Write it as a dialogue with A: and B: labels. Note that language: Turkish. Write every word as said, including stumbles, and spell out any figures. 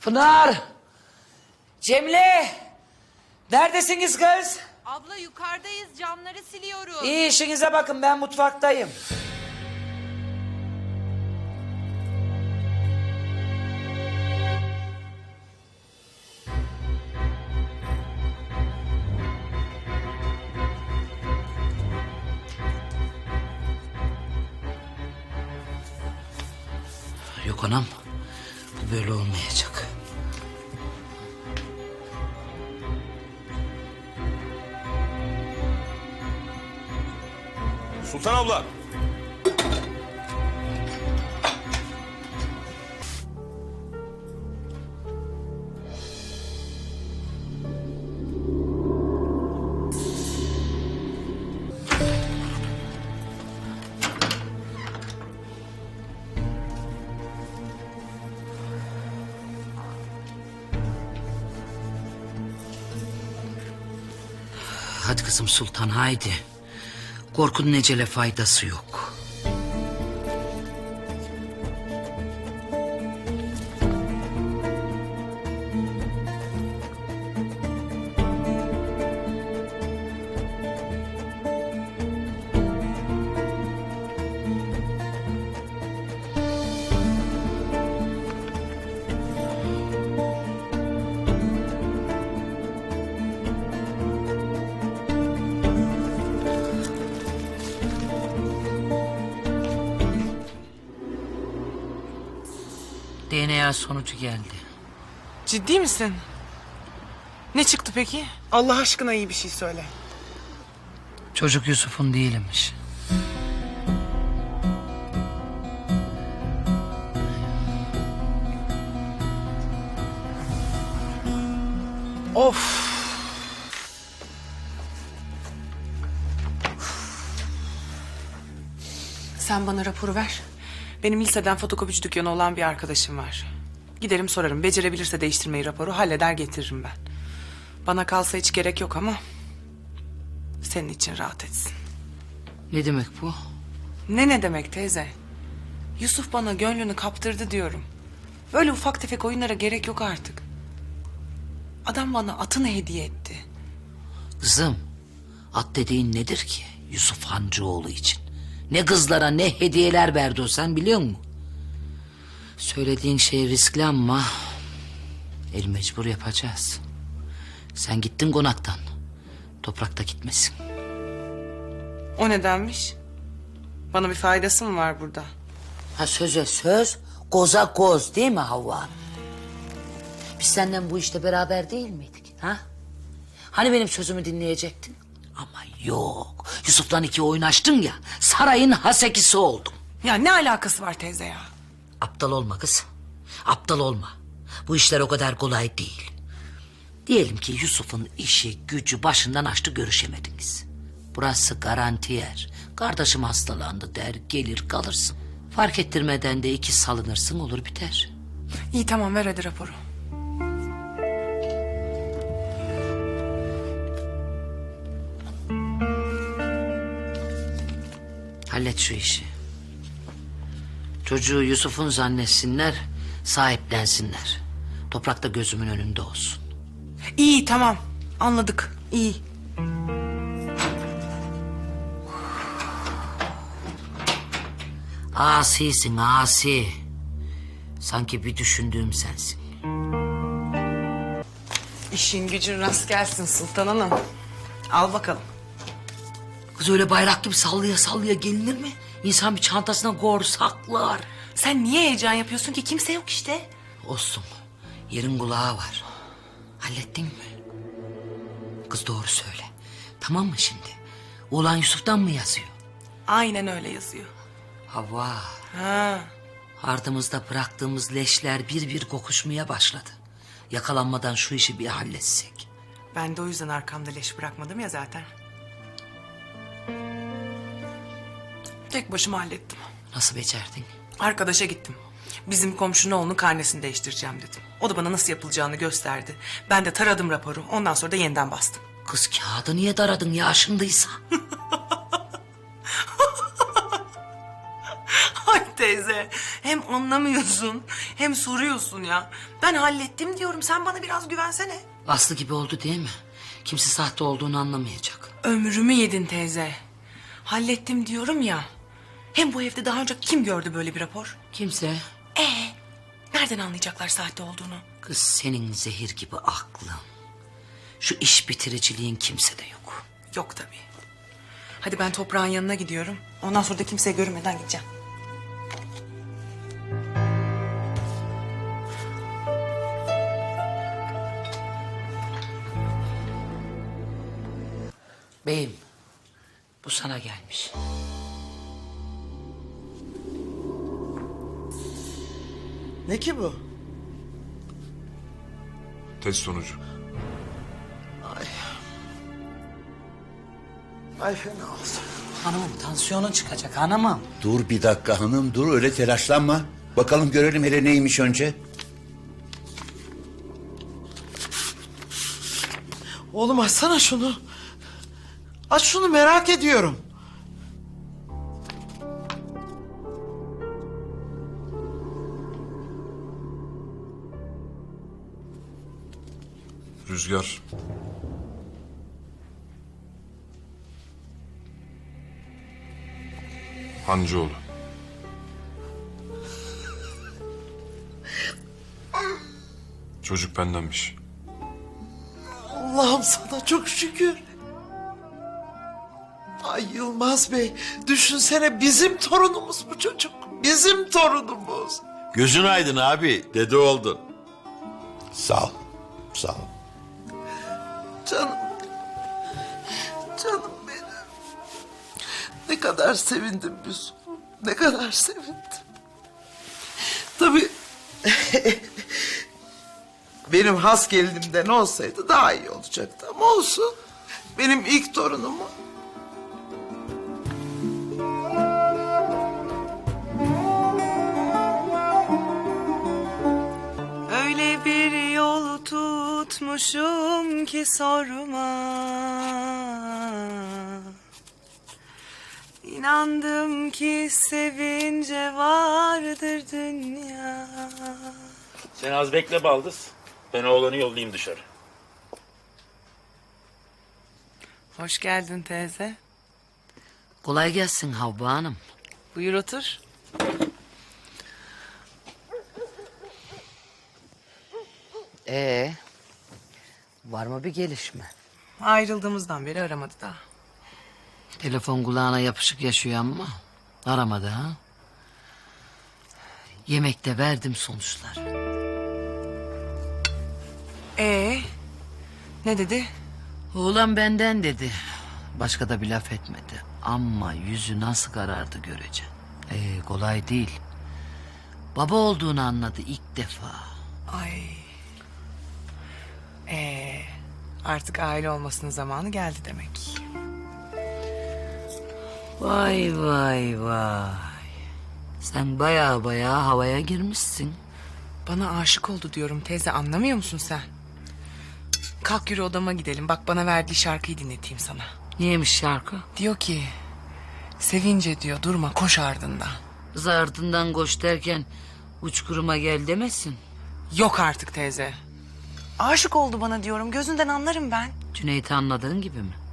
A: Pınar! Cemile! Neredesiniz kız?
B: Abla yukarıdayız, camları siliyoruz.
A: İyi işinize bakın, ben mutfaktayım. Yok anam, bu böyle olmayacak.
C: Sultan abla.
A: Hadi kızım Sultan, haydi. Korkunun ecele faydası yok. D N A sonucu geldi.
D: Ciddi misin? Ne çıktı peki? Allah aşkına iyi bir şey söyle.
A: Çocuk Yusuf'un değilmiş.
D: Of. Sen bana raporu ver. Benim liseden fotokopici dükkanı olan bir arkadaşım var. Giderim sorarım. Becerebilirse değiştirmeyi raporu halleder getiririm ben. Bana kalsa hiç gerek yok ama senin için rahat etsin.
A: Ne demek bu?
D: Ne ne demek teyze? Yusuf bana gönlünü kaptırdı diyorum. Böyle ufak tefek oyunlara gerek yok artık. Adam bana atını hediye etti.
A: Kızım, at dediğin nedir ki Yusuf Hancıoğlu için? Ne kızlara ne hediyeler verdi o, sen biliyor musun? Söylediğin şey riskli ama el mecbur yapacağız. Sen gittin konaktan. Toprakta gitmesin.
D: O nedenmiş? Bana bir faydası mı var burada?
A: Ha, söze söz, koza koz değil mi Havva? Biz senden bu işte beraber değil miydik? Ha? Hani benim sözümü dinleyecektin? Ama yok. Yusuf'la iki oynaştın ya, sarayın hasekisi oldun.
D: Ya ne alakası var teyze ya?
A: Aptal olma kız. Aptal olma. Bu işler o kadar kolay değil. Diyelim ki Yusuf'un işi gücü başından açtı, görüşemediniz. Burası garanti yer. Kardeşim hastalandı der, gelir kalırsın. Fark ettirmeden de iki salınırsın, olur biter.
D: İyi tamam, ver hadi raporu.
A: Hallet şu işi. Çocuğu Yusuf'un zannetsinler, sahiplensinler. Toprakta gözümün önünde olsun.
D: İyi tamam, anladık. İyi.
A: Asisin asi. Sanki bir düşündüğüm sensin.
D: İşin gücün rast gelsin Sultan Hanım. Al bakalım.
A: Kız öyle bayrak gibi sallaya sallaya gelinir mi? İnsan bir çantasına koyar, saklar.
D: Sen niye heyecan yapıyorsun ki? Kimse yok işte.
A: Olsun. Yerin kulağı var. Hallettin mi? Kız doğru söyle. Tamam mı şimdi? Oğlan Yusuf'tan mı yazıyor?
D: Aynen öyle yazıyor.
A: Havva.
D: Ha.
A: Ardımızda bıraktığımız leşler bir bir kokuşmaya başladı. Yakalanmadan şu işi bir halletsek.
D: Ben de o yüzden arkamda leş bırakmadım ya zaten. Tek başıma hallettim.
A: Nasıl becerdin?
D: Arkadaşa gittim. Bizim komşunun oğlunun karnesini değiştireceğim dedim. O da bana nasıl yapılacağını gösterdi. Ben de taradım raporu. Ondan sonra da yeniden bastım.
A: Kız kağıdı niye daradın ya, aşındıysa?
D: Hadi teyze. Hem anlamıyorsun hem soruyorsun ya. Ben hallettim diyorum. Sen bana biraz güvensene.
A: Aslı gibi oldu değil mi? Kimse sahte olduğunu anlamayacak.
D: Ömrümü yedin teyze. Hallettim diyorum ya. Hem bu evde daha önce kim gördü böyle bir rapor?
A: Kimse.
D: Ee, nereden anlayacaklar sahte olduğunu?
A: Kız senin zehir gibi aklın. Şu iş bitiriciliğin kimsede yok.
D: Yok tabii. Hadi ben toprağın yanına gidiyorum. Ondan sonra da kimseye görünmeden gideceğim.
A: Beyim, bu sana gelmiş.
C: Ne ki bu?
E: Test sonucu.
C: Ay fena olsun.
A: Hanımım tansiyonun çıkacak hanımım.
F: Dur bir dakika hanım, dur öyle telaşlanma. Bakalım görelim hele neymiş önce.
C: Oğlum açsana şunu. Aç şunu, merak ediyorum.
E: Rüzgar. Hancıoğlu. Çocuk bendenmiş.
C: Allah'ım sana çok şükür. Ay Yılmaz Bey, düşünsene bizim torunumuz bu çocuk. Bizim torunumuz.
G: Gözün aydın abi, dede oldun.
F: Sağ ol, sağ ol.
C: Canım. Canım benim. Ne kadar sevindim Yusuf. Ne kadar sevindim. Tabii benim has gelinimden olsaydı daha iyi olacaktı ama olsun. Benim ilk torunumu.
D: Öyle bir yol tutmuşum ki sorma. İnandım ki sevince vardır dünya.
H: Sen az bekle Baldız. Ben oğlanı yollayayım dışarı.
D: Hoş geldin teyze.
A: Kolay gelsin Havva Hanım.
D: Buyur otur.
A: Ee, var mı bir gelişme?
D: Ayrıldığımızdan beri aramadı da.
A: Telefon kulağına yapışık yaşıyor ama aramadı ha. Yemekte verdim sonuçlar.
D: Ee, ne dedi?
A: Oğlan benden dedi. Başka da bir laf etmedi. Ama yüzü nasıl karardı göreceksin. Ee, kolay değil. Baba olduğunu anladı ilk defa.
D: Ay. Ee, artık aile olmasının zamanı geldi demek.
A: Vay vay vay. Sen baya baya havaya girmişsin.
D: Bana aşık oldu diyorum teyze, anlamıyor musun sen? Kalk yürü odama gidelim. Bak bana verdiği şarkıyı dinleteyim sana.
A: Neymiş şarkı?
D: Diyor ki... Sevince diyor durma, koş ardından.
A: Kız ardından koş derken uçkuruma gel demesin.
D: Yok artık teyze. Aşık oldu bana diyorum, gözünden anlarım ben.
A: Cüneyt'i anladığın gibi mi?